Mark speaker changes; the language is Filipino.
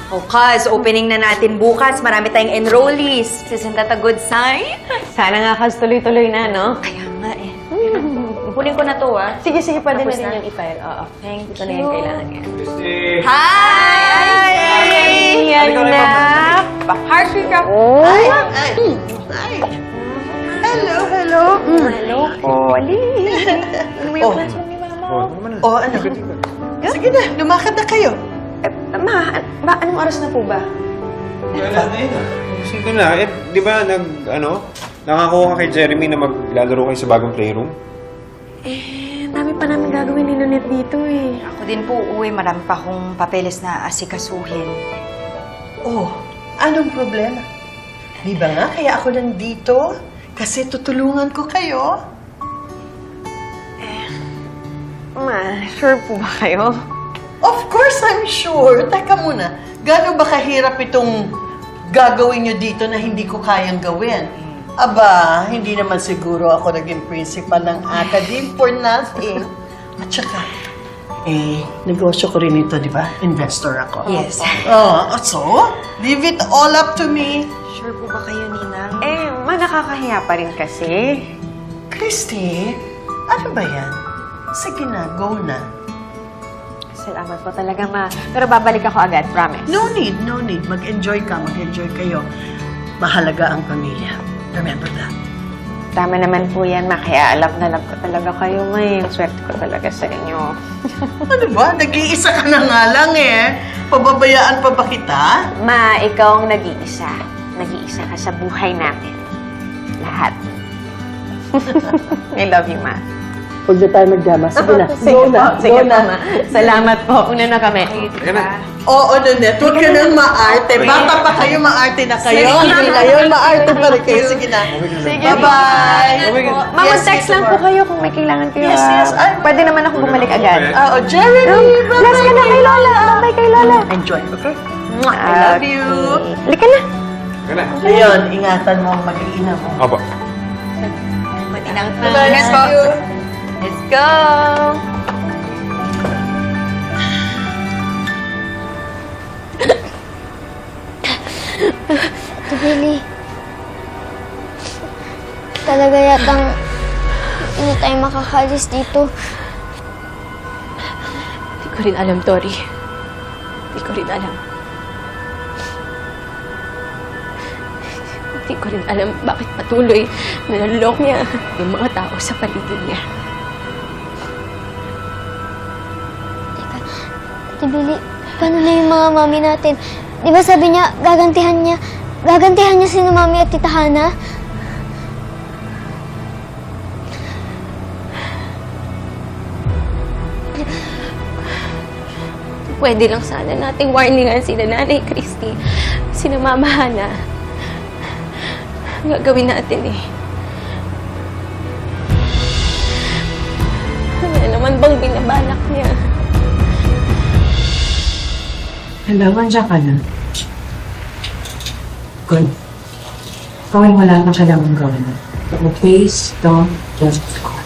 Speaker 1: Oh, cuz, opening na natin bukas. Marami tayong enrollees. Isn't that a good sign?
Speaker 2: Sana nga, Kaz, tuloy-tuloy na, no?
Speaker 1: Kaya nga eh. Kunin ko na to, ah.
Speaker 2: Sige, pwede
Speaker 1: Tapos
Speaker 2: na
Speaker 1: na?
Speaker 2: rin yung i-file. Oo.
Speaker 1: Thank
Speaker 2: Ito na yung kailangan niya.
Speaker 1: Hi!
Speaker 2: Yan na!
Speaker 1: Harshly ka.
Speaker 3: Ay! Hello, hello.
Speaker 2: Hello, Polly.
Speaker 3: Oh, ano? Sige na, lumakad na kayo.
Speaker 2: Ma, anong oras na po ba?
Speaker 4: Wala na yun. Sige na. Di ba nakakuha ka kay Jeremy na maglalaro kayo sa bagong playroom?
Speaker 2: Dami pa namin gagawin ni Nonet dito eh.
Speaker 1: Ako din po, uwi. Marami pa akong papeles na asikasuhin.
Speaker 3: Oh, anong problema? Di ba nga, kaya ako nandito? Kasi tutulungan ko kayo.
Speaker 2: Ma, sure po ba kayo?
Speaker 3: Of course, I'm sure. Teka muna, gaano ba kahirap itong gagawin nyo dito na hindi ko kayang gawin? Aba, hindi naman siguro ako naging principal ng academe for nothing. At saka, negosyo ko rin ito, di ba? Investor ako.
Speaker 1: Yes.
Speaker 3: Oh, so, leave it all up to me.
Speaker 1: Sure po ba kayo, Ninang?
Speaker 2: Ma, nakakahiya pa rin kasi.
Speaker 3: Christy, ano ba yan? Sige na, go na.
Speaker 2: Salamat po talaga, Ma. Pero babalik ako agad, promise.
Speaker 3: No need, no need. Mag-enjoy ka, mag-enjoy kayo. Mahalaga ang pamilya. Remember that.
Speaker 2: Tama naman po yan, Ma. Kaya alam na alam ko talaga kayo, Ma. Ang swerte ko talaga sa inyo.
Speaker 3: Ano ba? Nag-iisa ka na nga lang eh. Pababayaan pa ba kita?
Speaker 2: Ma, ikaw ang nag-iisa. Nag-iisa ka sa buhay namin. Lahat. I love you, Ma.
Speaker 3: Huwag na tayo magdrama. Sige na. Go na.
Speaker 2: Sige po, Ma. Salamat po. Una na kami.
Speaker 3: Oo, Nanette. Huwag ka nang maarte. Bata pa kayo, maarte na kayo. Hindi ngayon, maarte pa rin kayo. Sige na.
Speaker 2: Sige.
Speaker 3: Bye-bye.
Speaker 2: Ma, mag-text lang po kayo kung may kailangan kayo.
Speaker 3: Yes, yes. Ay,
Speaker 2: Pwede naman ako bumalik agad.
Speaker 3: Oo, Jeremy.
Speaker 2: Bless ka na kay Lola. Bye kay Lola.
Speaker 3: Enjoy, okay? I love you.
Speaker 2: Halika na.
Speaker 4: Wala.
Speaker 3: Ayun, ingatan mo ang mag-iina mo.
Speaker 4: Opo.
Speaker 1: Ninang,
Speaker 3: Bye.
Speaker 1: let's go. Let's go.
Speaker 5: Billy, talaga yatang hindi tayo makakalis dito.
Speaker 6: Hindi ko rin alam, Tori. Hindi ko rin alam. Hindi ko rin alam bakit patuloy na nalulok niya yung mga tao sa paligid niya.
Speaker 5: Teka, Ate Billy, paano na yung mga mami natin? Di ba sabi niya, gagantihan niya si Mami at Tita Hana?
Speaker 6: Pwede lang sana nating warningan sila Nanay Christy, sina Mama Hana. Gagawin natin eh. Ano naman bang binabalak niya?
Speaker 7: Hello, nandiyan ka na. Good. Kung wala kang kailangan gawin. Please don't just